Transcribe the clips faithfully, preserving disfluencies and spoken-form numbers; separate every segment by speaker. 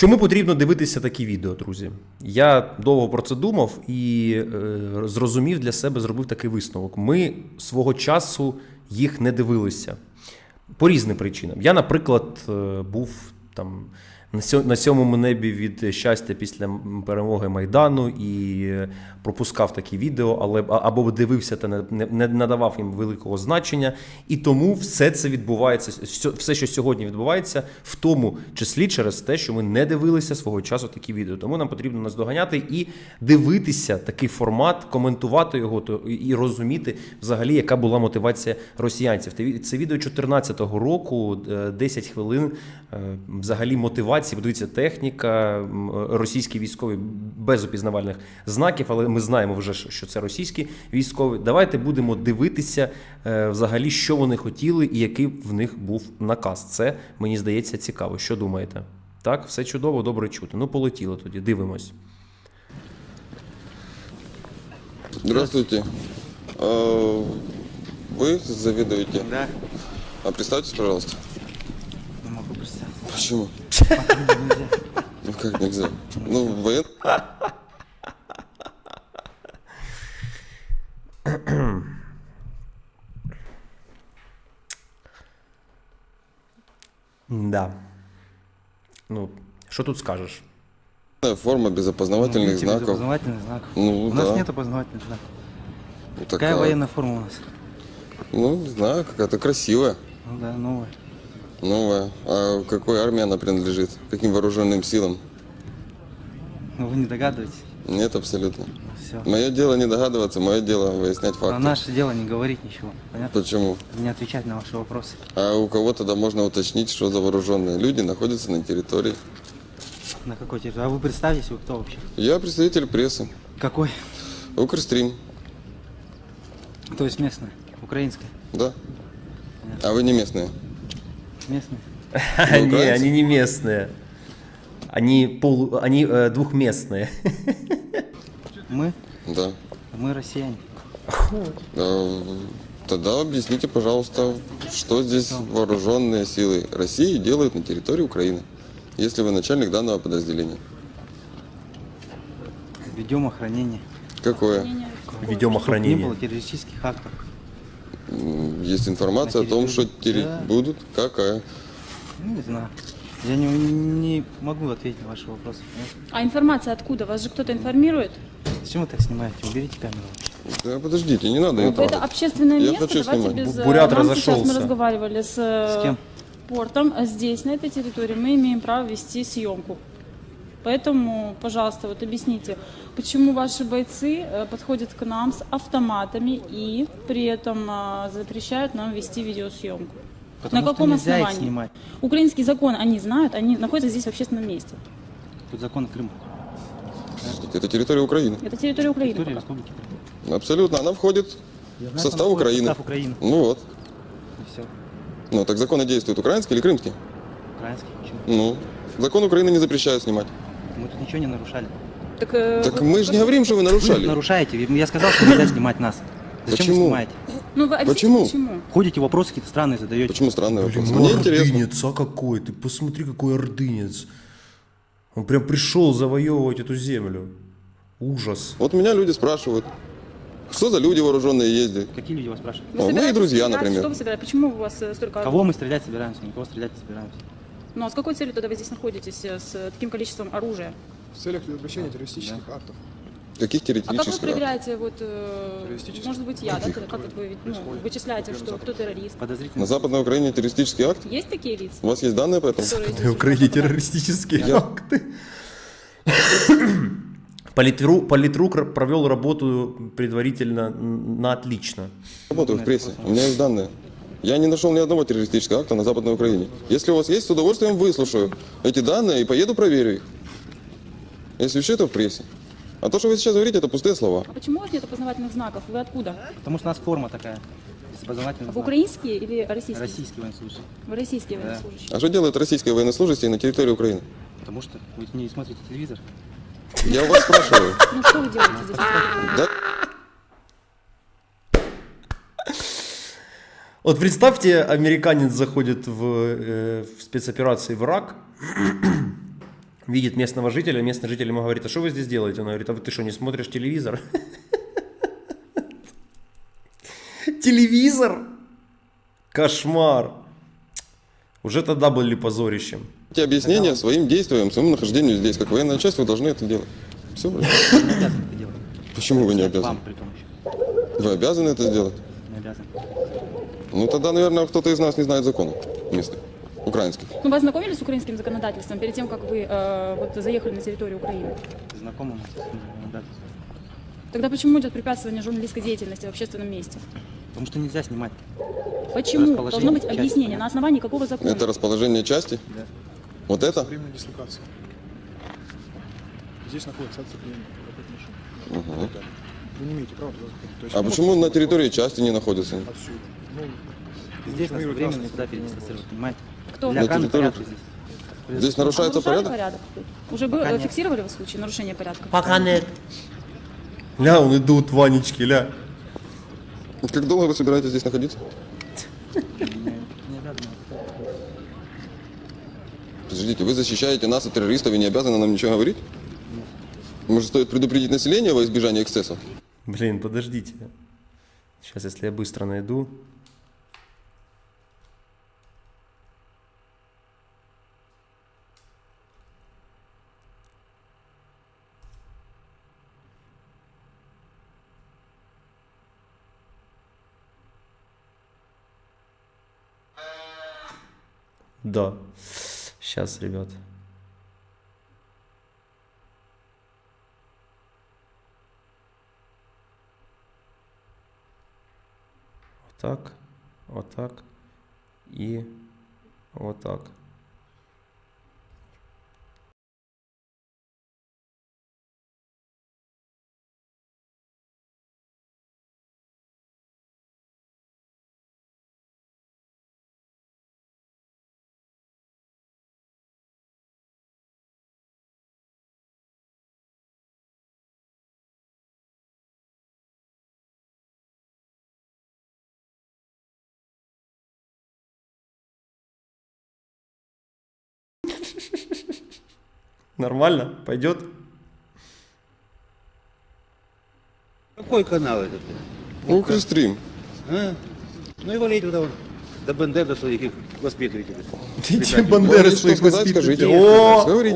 Speaker 1: Чому потрібно дивитися такі відео, друзі? Я довго про це думав і е, зрозумів для себе, зробив такий висновок. Ми свого часу їх не дивилися по різним причинам. Я, наприклад, е, був там на сьомому небі від щастя після перемоги Майдану і пропускав такі відео, але або дивився та не, не надавав їм великого значення. І тому все це відбувається, все, що сьогодні відбувається, в тому числі через те, що ми не дивилися свого часу такі відео. Тому нам потрібно наздоганяти і дивитися такий формат, коментувати його і розуміти взагалі, яка була мотивація росіянців. Це відео чотирнадцятого року, десять хвилин, взагалі мотивація. Подивіться, техніка, російські військові без опізнавальних знаків, але ми знаємо вже, що це російські військові. Давайте будемо дивитися взагалі, що вони хотіли і який в них був наказ. Це, мені здається, цікаво. Що думаєте? Так, все чудово, добре чути. Ну, полетіло тоді, дивимось.
Speaker 2: Здравствуйте. Вы заведуете?
Speaker 3: Да.
Speaker 2: А представьтесь, пожалуйста.
Speaker 3: Не могу представить.
Speaker 2: Почему?
Speaker 3: Нельзя.
Speaker 2: Ну как нельзя? Ну, воен...
Speaker 1: Да. Ну, що тут скажеш?
Speaker 2: форма без опознавательных
Speaker 3: Видите, без
Speaker 2: знаков.
Speaker 3: опознавательных знаков.
Speaker 2: Ну,
Speaker 3: у
Speaker 2: да.
Speaker 3: нас нет опознавательных знаков.
Speaker 2: Ну,
Speaker 3: Какая
Speaker 2: такая-
Speaker 3: военная форма у нас?
Speaker 2: Ну, не знаю, какая-то красивая,
Speaker 3: Ну да, новая.
Speaker 2: новая. А какой армии она принадлежит? Каким вооруженным силам?
Speaker 3: Ну вы не догадываетесь.
Speaker 2: Нет, абсолютно.
Speaker 3: Все.
Speaker 2: Мое дело не догадываться, мое дело выяснять
Speaker 3: А
Speaker 2: факты.
Speaker 3: наше дело не говорить ничего. Понятно?
Speaker 2: Почему?
Speaker 3: Не отвечать на ваши вопросы.
Speaker 2: А у кого тогда можно уточнить, что за вооруженные люди находятся на территории?
Speaker 3: На какой территории? А вы представьтесь, вы кто вообще?
Speaker 2: Я представитель прессы.
Speaker 3: Какой?
Speaker 2: Укрстрим.
Speaker 3: То есть местная, украинская.
Speaker 2: Да. А вы не местные?
Speaker 3: Местная.
Speaker 1: Не,
Speaker 2: украинцы?
Speaker 1: они не местные. Они, пол, они э, двухместные.
Speaker 3: Мы?
Speaker 2: Да.
Speaker 3: Мы россияне.
Speaker 2: Э, Тогда объясните, пожалуйста, что здесь вооруженные силы России делают на территории Украины, если вы начальник данного подразделения?
Speaker 3: Ведем охранение.
Speaker 2: Какое?
Speaker 1: Ведем
Speaker 3: Не
Speaker 1: охранение.
Speaker 3: было террористических актов.
Speaker 2: М, Есть информация
Speaker 3: На
Speaker 2: о том, что
Speaker 3: территории.
Speaker 2: терри-
Speaker 3: Да.
Speaker 2: будут. Какая?
Speaker 3: Ну, не знаю. Я не, не могу ответить на ваши вопросы. Понимаете?
Speaker 4: А информация откуда? Вас же кто-то информирует?
Speaker 3: Зачем вы так снимаете? Уберите камеру.
Speaker 2: Да, подождите, не надо это.
Speaker 4: Это общественное
Speaker 2: Я
Speaker 4: место.
Speaker 2: хочу
Speaker 4: Давайте
Speaker 2: снимать.
Speaker 4: без... э,
Speaker 1: Бурят
Speaker 4: нам сейчас
Speaker 1: разошелся.
Speaker 4: мы разговаривали с, э,
Speaker 3: С кем?
Speaker 4: портом. А здесь, на этой территории, мы имеем право вести съемку. Поэтому, пожалуйста, вот объясните, почему ваши бойцы э, подходят к нам с автоматами и при этом э, запрещают нам вести видеосъемку?
Speaker 3: Потому
Speaker 4: на
Speaker 3: что
Speaker 4: каком
Speaker 3: нельзя их
Speaker 4: основании?
Speaker 3: снимать.
Speaker 4: Украинский закон они знают, они находятся здесь в общественном месте.
Speaker 3: Тут закон Крыма.
Speaker 2: Подождите, это территория Украины.
Speaker 4: Это территория Украины.
Speaker 3: Территория
Speaker 4: пока.
Speaker 3: Республики Крым.
Speaker 2: Абсолютно, она входит
Speaker 3: Я
Speaker 2: в
Speaker 3: знаю,
Speaker 2: состав
Speaker 3: что она входит в
Speaker 2: Украины.
Speaker 3: состав Украины.
Speaker 2: Ну вот.
Speaker 3: И все.
Speaker 2: Ну, так законы действуют украинские или крымские?
Speaker 3: Украинский. Почему?
Speaker 2: Ну, закон Украины не запрещает снимать.
Speaker 3: Мы тут ничего не нарушали.
Speaker 4: Так, э,
Speaker 2: Так
Speaker 4: вы-
Speaker 2: мы же не говорим, что вы
Speaker 3: Вы
Speaker 2: нарушали.
Speaker 3: нарушаете. Я сказал, что нельзя снимать нас. Зачем
Speaker 2: Почему?
Speaker 3: вы снимаете?
Speaker 4: Ну, вы объясните,
Speaker 2: Почему?
Speaker 4: почему?
Speaker 3: Ходите, вопросы какие-то странные задаете.
Speaker 2: Почему странный вопрос?
Speaker 1: Блин,
Speaker 2: Мне
Speaker 1: ну
Speaker 2: интересно.
Speaker 1: ордынец, а какой? Ты посмотри, какой ордынец. Он прям пришел завоевывать эту землю. Ужас.
Speaker 2: Вот меня люди спрашивают, что за люди вооруженные ездят?
Speaker 3: Какие люди вас спрашивают?
Speaker 4: Вы
Speaker 2: О, мои
Speaker 4: собираетесь
Speaker 2: друзья,
Speaker 4: стрелять?
Speaker 2: например.
Speaker 4: Что вы собираетесь? Почему у вас э, столько...
Speaker 3: Кого мы стрелять собираемся? Никого стрелять не собираемся.
Speaker 4: Ну, а с какой целью тогда вы здесь находитесь э, с таким количеством оружия?
Speaker 5: В целях предотвращения террористических актов.
Speaker 2: Каких
Speaker 4: А как вы
Speaker 2: теоретических?
Speaker 4: проверяете, вот, э,
Speaker 5: Террористических?
Speaker 4: может быть, я, да,
Speaker 2: Каких?
Speaker 4: как вот вы ну, вычисляете, что кто террорист?
Speaker 3: Подозрительно.
Speaker 2: На Западной Украине террористический акт?
Speaker 4: Есть такие лица?
Speaker 2: У вас есть данные по этому?
Speaker 4: которые
Speaker 1: В
Speaker 4: здесь
Speaker 1: Украине
Speaker 4: попадают?
Speaker 1: террористические
Speaker 2: Я-
Speaker 1: акты. Политру, политрук провел работу предварительно на отлично.
Speaker 2: Работаю в прессе, у меня есть данные. Я не нашел ни одного террористического акта на Западной Украине. Если у вас есть, с удовольствием выслушаю эти данные и поеду проверю их. Если все это в прессе. А то, что вы сейчас говорите, это пустые слова.
Speaker 4: А почему у вас нет опознавательных знаков? Вы откуда?
Speaker 3: Потому что у нас форма такая. Без опознавательных
Speaker 4: Вы
Speaker 3: знаков.
Speaker 4: украинские или российские?
Speaker 3: Российский военнослужащий.
Speaker 4: Вы российские
Speaker 3: Да.
Speaker 4: военнослужащие.
Speaker 2: А что делают российские военнослужащие на территории Украины?
Speaker 3: Потому что вы не смотрите телевизор.
Speaker 2: Я у вас спрашиваю.
Speaker 4: Ну, что вы делаете здесь?
Speaker 2: Да?
Speaker 1: Вот представьте, американец заходит в, э, в спецоперации в Ирак, видит местного жителя, местный житель ему говорит: а что вы здесь делаете? Он говорит: а ты что, не смотришь телевизор? Телевизор? Кошмар. Уже тогда были позорищем.
Speaker 2: Эти объяснения своим действиям, своему нахождению здесь, как военная часть, вы должны это делать. Все, блядь.
Speaker 3: Не обязан это делать.
Speaker 2: Почему вы не обязаны?
Speaker 3: Вам при том еще.
Speaker 2: Вы обязаны это сделать?
Speaker 3: Не обязан.
Speaker 2: Ну тогда, наверное, кто-то из нас не знает законов местных, украинских.
Speaker 4: Ну, вы ознакомились с украинским законодательством перед тем, как вы э, вот, заехали на территорию Украины?
Speaker 3: Знакомым не обязан.
Speaker 4: Тогда почему идет препятствование журналистской деятельности в общественном месте?
Speaker 3: Потому что нельзя снимать.
Speaker 4: Почему?
Speaker 3: Расположение
Speaker 4: Должно быть
Speaker 3: части.
Speaker 4: объяснение. На основании какого закона?
Speaker 2: Это расположение части?
Speaker 3: Да.
Speaker 2: Вот это?
Speaker 5: Временная дислокация. Здесь находится отцепление.
Speaker 2: Угу.
Speaker 5: Вы не имеете права туда заходить. То есть
Speaker 2: А
Speaker 5: вы
Speaker 2: почему
Speaker 5: можете
Speaker 2: на территории части не находится?
Speaker 5: отсюда? Ну,
Speaker 3: Здесь нас
Speaker 5: информирует
Speaker 3: временно
Speaker 5: нас.
Speaker 3: сюда передислоцировать, понимаете?
Speaker 4: Кто?
Speaker 3: Для
Speaker 2: На
Speaker 3: охраны
Speaker 2: территории-
Speaker 3: порядка здесь.
Speaker 2: Здесь
Speaker 4: А
Speaker 2: нарушается
Speaker 4: нарушали
Speaker 2: порядок?
Speaker 4: Уже бы,
Speaker 3: Пока
Speaker 4: э,
Speaker 3: нет.
Speaker 4: фиксировали вы случаи нарушения порядка?
Speaker 1: Пока нет. Ля, он идут, Ванечки, ля.
Speaker 2: Как долго вы собираетесь здесь находиться?
Speaker 3: Не, не обязан.
Speaker 2: Подождите, вы защищаете нас от террористов и не обязаны нам ничего говорить? Может, стоит предупредить население во избежание эксцессов?
Speaker 1: Блин, подождите. Сейчас, если я быстро найду. Да. Сейчас, ребят. Вот так, вот так и вот так. Нормально? Пойдет?
Speaker 6: Какой канал этот?
Speaker 2: Укрстрим.
Speaker 6: А? Ну и валите туда вон. До Бендер, до своих их воспитывателей.
Speaker 1: Эти бандеры
Speaker 2: Что
Speaker 1: своих
Speaker 2: сказать, скажите.
Speaker 1: воспитывателей. О,
Speaker 2: Говорите.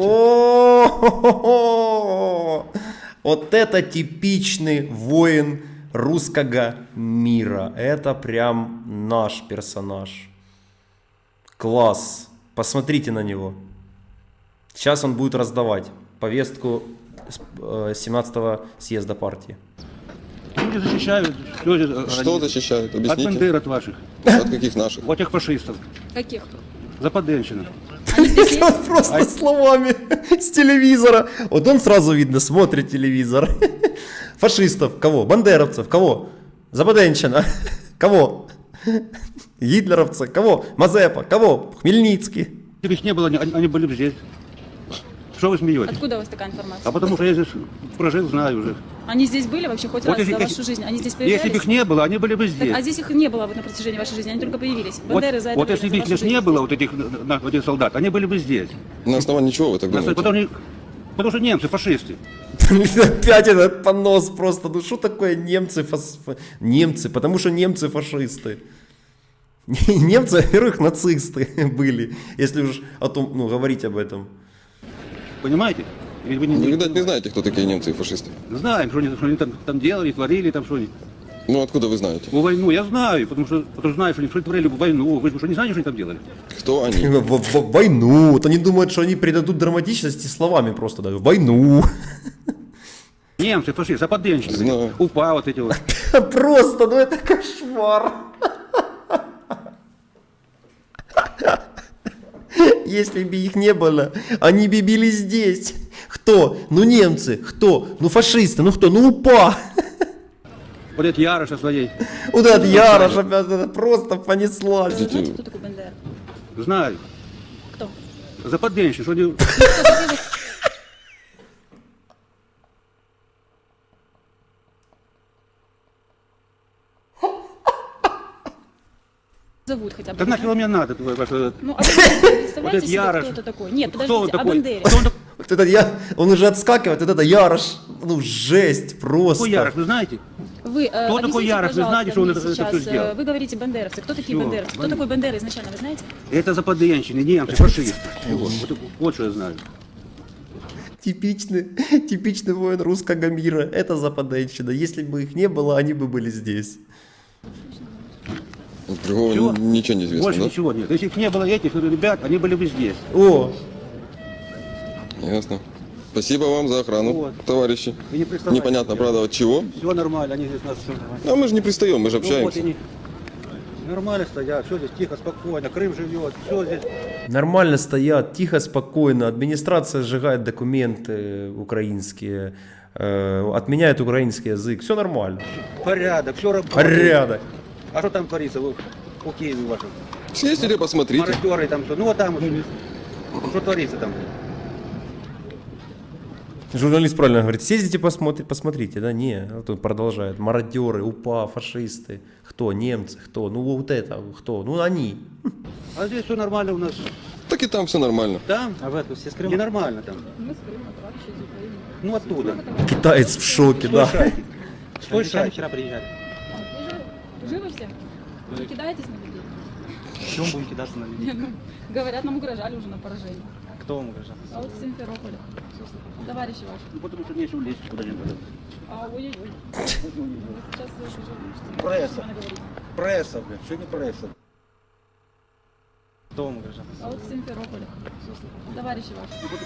Speaker 1: о, вот это типичный воин русского мира. Это прям наш персонаж. Класс. Посмотрите на него. Сейчас он будет раздавать повестку э, семнадцатого съезда партии.
Speaker 6: Люди защищают. Что, здесь
Speaker 2: Что
Speaker 6: они-
Speaker 2: защищают?
Speaker 6: От
Speaker 2: Объясните.
Speaker 6: Бендер, от ваших.
Speaker 2: От каких наших?
Speaker 6: От этих фашистов.
Speaker 4: Каких?
Speaker 6: Западенщина.
Speaker 4: Они здесь есть?
Speaker 1: Он просто словами с телевизора. Вот он сразу видно смотрит телевизор. Фашистов. Кого? Бандеровцев. Кого? Западенщина. Кого? Гитлеровцы. Кого? Мазепа. Кого? Хмельницкий.
Speaker 6: Если бы их не было, они, они были бы здесь. Что вы смеетесь?
Speaker 4: Откуда у вас такая информация?
Speaker 6: А потому что я здесь прожил, знаю уже.
Speaker 4: Они здесь были вообще хоть
Speaker 6: Вот
Speaker 4: раз
Speaker 6: если-
Speaker 4: за
Speaker 6: если-
Speaker 4: вашу жизнь? Они здесь появлялись?
Speaker 6: Если бы их не было, они были бы
Speaker 4: Так,
Speaker 6: здесь.
Speaker 4: а здесь их не было вот на протяжении вашей жизни, они только появились.
Speaker 6: Вот,
Speaker 4: Бандеры за это
Speaker 6: вот
Speaker 4: время,
Speaker 6: если
Speaker 4: за
Speaker 6: бы их
Speaker 4: вашу
Speaker 6: здесь не
Speaker 4: жизнь.
Speaker 6: было, вот этих, на- вот этих солдат, они были бы здесь.
Speaker 2: На основании чего вы так
Speaker 6: На-
Speaker 2: думаете?
Speaker 6: Потому, что- потому что немцы фашисты.
Speaker 1: Опять этот понос просто. Ну что такое немцы? фас- фа- Немцы. Потому что немцы фашисты. Немцы, во-первых, нацисты были. Если уж о том, ну, говорить об этом.
Speaker 6: Понимаете? Или вы не,
Speaker 2: Вы,
Speaker 6: не-
Speaker 2: видать, не знаете, кто такие немцы и фашисты.
Speaker 6: знаем, что они, что они там, там делали, творили, там что они.
Speaker 2: Ну, откуда вы знаете?
Speaker 6: В войну я знаю, потому что, потому что знаю, что они, что они творили в войну. Вы что, не знаете, что они там делали?
Speaker 2: Кто они?
Speaker 1: В, в- в войну. Вот они думают, что они придадут драматичности словами просто. Да, в войну.
Speaker 6: Немцы, фашисты, западенщины,
Speaker 2: Знаю.
Speaker 6: упа вот эти вот.
Speaker 1: Просто, ну это кошмар. Если бы их не было, они бы били здесь. Кто? Ну немцы. Кто? Ну фашисты. Ну кто? Ну УПА.
Speaker 6: Вот эти Яроша своей.
Speaker 1: Вот этот Ярош опять это просто понеслась.
Speaker 4: Вы знаете, кто такой Бандера?
Speaker 6: Знаю.
Speaker 4: Кто?
Speaker 6: Западенщины, что они...
Speaker 4: Зовут хотя бы.
Speaker 6: Да нахер вам мне надо, твой ваш... этот-
Speaker 4: Ну, а вы представляете
Speaker 6: Вот это
Speaker 4: себе,
Speaker 6: Ярош.
Speaker 4: кто это такой? Нет,
Speaker 6: Кто он
Speaker 4: подождите, о
Speaker 6: такой?
Speaker 4: Бандере.
Speaker 6: Вот он так-
Speaker 1: Вот это я, он уже отскакивает, вот это Ярош, ну жесть просто.
Speaker 6: Какой Ярош, вы знаете?
Speaker 4: Вы, э,
Speaker 6: Кто такой
Speaker 4: объясните,
Speaker 6: Ярош? Вы
Speaker 4: пожалуйста,
Speaker 6: знаете, что он
Speaker 4: мне
Speaker 6: это- это
Speaker 4: сейчас,
Speaker 6: всё сделал?
Speaker 4: э, Вы говорите бандеровцы. Кто такие
Speaker 6: Всё,
Speaker 4: бандеровцы? Кто
Speaker 6: бан-
Speaker 4: такой Бандера изначально, вы знаете?
Speaker 6: Это западенщины, немцы, фашисты. Вот, вот, вот что я знаю.
Speaker 1: Типичный, типичный воин русского мира, это западенщина. Если бы их не было, они бы были здесь.
Speaker 2: Другого
Speaker 6: Всё?
Speaker 2: н- ничего не известно,
Speaker 6: Больше
Speaker 2: да?
Speaker 6: ничего нет. Если их не было этих ребят, они были бы здесь.
Speaker 1: О,
Speaker 2: Ясно. Спасибо вам за охрану,
Speaker 6: Вот.
Speaker 2: товарищи.
Speaker 6: Вы не приставайте.
Speaker 2: Непонятно, правда, от чего.
Speaker 6: Все нормально, они здесь нас все нормально.
Speaker 2: А мы же не пристаем, мы же
Speaker 6: Ну, вот
Speaker 2: общаемся.
Speaker 6: и не- Нормально стоят, все здесь тихо, спокойно, Крым живет, все здесь.
Speaker 1: нормально стоят, тихо, спокойно. Администрация сжигает документы украинские, э, отменяет украинский язык. Все нормально.
Speaker 6: Порядок, все работает.
Speaker 1: Порядок.
Speaker 6: А что там творится вот, по Киеву вашем?
Speaker 2: Съездили, посмотрите.
Speaker 6: Мародеры там, что? Ну вот там, вот, что творится там?
Speaker 1: Журналист правильно говорит, съездите, посмотри, посмотрите, да, не, а тут продолжает, мародеры, УПА, фашисты, кто, немцы, кто, ну вот это, кто, ну они.
Speaker 6: А здесь все нормально у нас.
Speaker 2: Так и там все нормально.
Speaker 6: Там
Speaker 3: А вы откуда? Все с Крыма?
Speaker 6: ненормально там.
Speaker 4: Мы с Крыма, товарищи из Украины.
Speaker 6: Ну оттуда.
Speaker 1: Китаец в шоке,
Speaker 6: Стой
Speaker 1: да.
Speaker 6: шайки. Стой
Speaker 3: Англичане
Speaker 6: шайки.
Speaker 3: вчера приезжали.
Speaker 4: Живы все? Вы не кидаетесь на людей?
Speaker 3: Чем будем кидаться на людей?
Speaker 4: Ну, говорят, нам угрожали уже на поражение.
Speaker 3: Кто вам угрожал?
Speaker 4: А вот в Симферополе. Товарищи ваши.
Speaker 6: Ну потому что нечего лезть куда-нибудь.
Speaker 4: А, ой-ой-ой. Вы сейчас уже можете
Speaker 6: Пресса.
Speaker 4: говорить.
Speaker 6: Пресса, блядь, что не пресса?
Speaker 3: Кто вам угрожал?
Speaker 4: А вот в Симферополе. Товарищи ваши.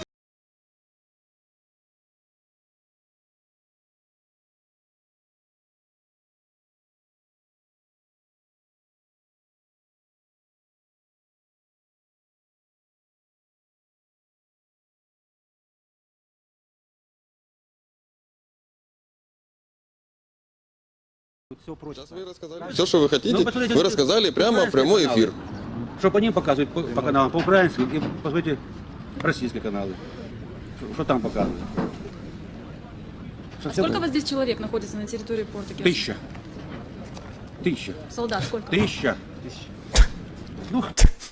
Speaker 3: Тут все прочь.
Speaker 2: Сейчас вы рассказали все, что вы хотите.
Speaker 6: Ну, посмотрите,
Speaker 2: Вы рассказали прямо в прямой эфир.
Speaker 6: Что по ним показывают, по, по каналам, по-украински, и посмотрите российские каналы. Что- Что там показывают? Что все
Speaker 4: Сколько
Speaker 6: было?
Speaker 4: вас здесь человек находится на территории порта Керчь?
Speaker 6: Тысяча. Тысяча.
Speaker 4: Солдат сколько?
Speaker 6: Тысяча. Ну,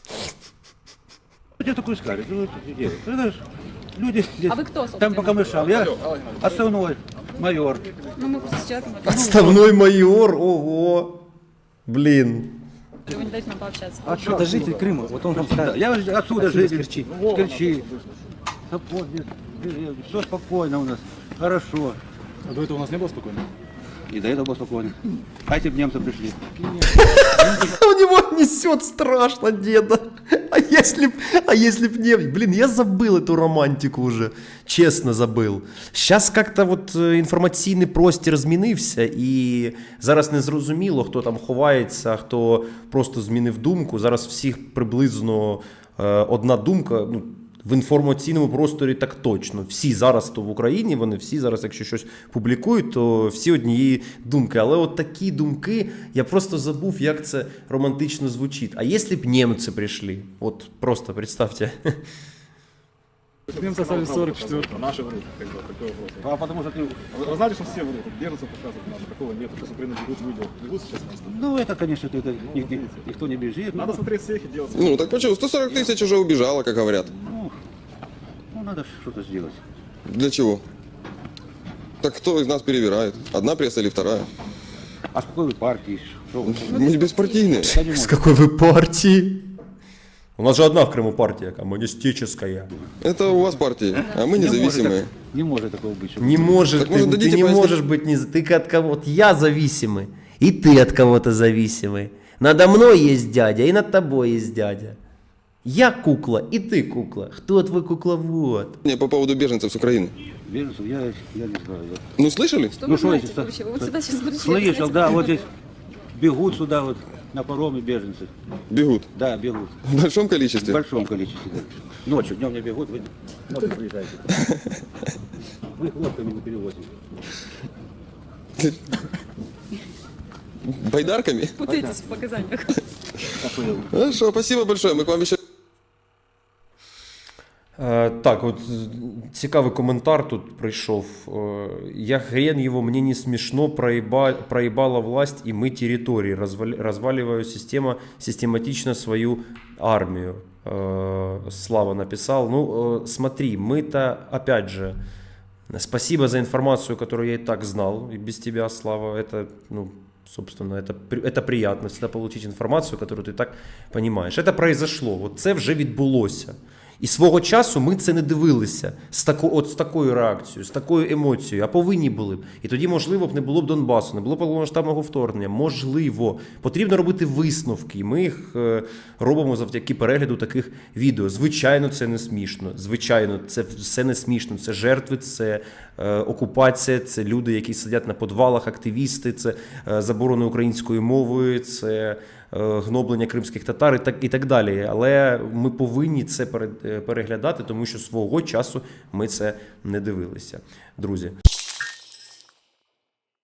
Speaker 6: что такое сказали? Ну, это дело. Это ж люди здесь.
Speaker 4: А вы кто, собственно?
Speaker 6: Там по камышам. Я основной майор.
Speaker 4: Ну, мы просто с человеком...
Speaker 1: Отставной майор, ого, блин.
Speaker 4: Вы не дайте нам пообщаться.
Speaker 6: А что?
Speaker 3: Это житель Крыма. Вот он вам
Speaker 6: Да,
Speaker 3: скажет.
Speaker 6: я отсюда,
Speaker 3: Отсюда,
Speaker 6: житель.
Speaker 3: с Керчи.
Speaker 6: С Керчи. Все спокойно у нас. Хорошо.
Speaker 5: А до этого у нас не было спокойно?
Speaker 6: И до этого было спокойно. А если бы немцы пришли?
Speaker 1: У него несет страшно, деда. А если б, а если б не... Блин, я забыл эту романтику уже. Чесно забыл. Сейчас как-то от інформаційний простір змінився, і зараз не зрозуміло, хто там ховається, хто просто змінив думку. Зараз всіх приблизно е, одна думка, ну, в інформаційному просторі так точно. Всі зараз то в Україні, вони всі зараз, якщо щось публікують, то всі однієї думки. Але от такі думки, я просто забув, як це романтично звучить. А якщо б німці прийшли? От просто представте.
Speaker 5: Немцы остались сорок четвёртого, наши врут, как бы, такой вопрос.
Speaker 6: А потому что ты...
Speaker 5: Вы знали, что все врут? Беженцев показывают надо, такого нет. Сейчас Украина бегут, люди бегут сейчас просто.
Speaker 6: Ну это, конечно, это, ник- ник- никто не бежит.
Speaker 5: Надо
Speaker 6: Ну,
Speaker 5: смотреть всех и делать.
Speaker 2: Ну, так почему? сто сорок тысяч уже убежало, как говорят.
Speaker 6: ну, ну, надо что-то сделать.
Speaker 2: Для чего? Так кто из нас перевирает? Одна пресса или вторая?
Speaker 6: А с какой вы партии? Что вы?
Speaker 2: Мы беспартийные.
Speaker 6: Я не
Speaker 1: З
Speaker 6: могу.
Speaker 1: якої ви партії? У нас же одна в Криму партія, комуністична.
Speaker 2: Это у вас партия, а мы
Speaker 6: Не может,
Speaker 2: независимые.
Speaker 6: так- не может такого быть. чтобы-
Speaker 1: Не можешь,
Speaker 2: Так,
Speaker 1: ты,
Speaker 2: может,
Speaker 1: ты
Speaker 2: дадите
Speaker 1: не
Speaker 2: пояснить?
Speaker 1: можешь быть, не, ты от кого вот я зависимый, и ты от кого-то зависимый. Надо мной есть дядя, и над тобой есть дядя. Я кукла, и ты кукла. Кто твой кукловод?
Speaker 2: Не, по поводу беженцев с Украины.
Speaker 6: Беженцев, я, я не знаю. я-
Speaker 2: Ну, слышали?
Speaker 4: Что
Speaker 6: Ну,
Speaker 4: вы
Speaker 6: что
Speaker 4: знаете
Speaker 6: эти-
Speaker 4: вообще? Вы вот сюда сейчас пришли.
Speaker 6: Слышал,
Speaker 4: знаете,
Speaker 6: да, вот здесь бегут сюда вот на пароме беженцы.
Speaker 2: Бегут.
Speaker 6: Да, бегут.
Speaker 2: В большом
Speaker 6: В
Speaker 2: количестве.
Speaker 6: большом количестве. Да. Ночью, днем не бегут, вы ночью приезжаете. Вы их лодками не перевозите.
Speaker 2: Байдарками?
Speaker 4: Путаетесь в показаниях.
Speaker 2: Хорошо, спасибо большое. Мы к вам еще...
Speaker 1: Е, так, от з- цікавий коментар тут прийшов. Е, я хрен его, мне не смешно, проеба, проебала власть и мы территории, развали, разваливаю система, систематично свою армию. Э, Слава написал. Ну, э, смотри, мы-то, опять же, спасибо за информацию, которую я и так знал, и без тебя, Слава. Это, ну, собственно, это, при- это приятно всегда получить інформацію, яку ти так розумієш. Це произошло, от це вже відбулося. І свого часу ми це не дивилися з, тако, от, з такою реакцією, з такою емоцією, а повинні були б. І тоді, можливо, б не було б Донбасу, не було б повномасштабного вторгнення. Можливо. Потрібно робити висновки, і ми їх е, робимо завдяки перегляду таких відео. Звичайно, це не смішно. Звичайно, це все не смішно. Це жертви, це е, окупація, це люди, які сидять на подвалах, активісти, це е, заборона української мови, це гноблення кримських татар і так, і так далі. Але ми повинні це пере- переглядати, тому що свого часу ми це не дивилися. Друзі.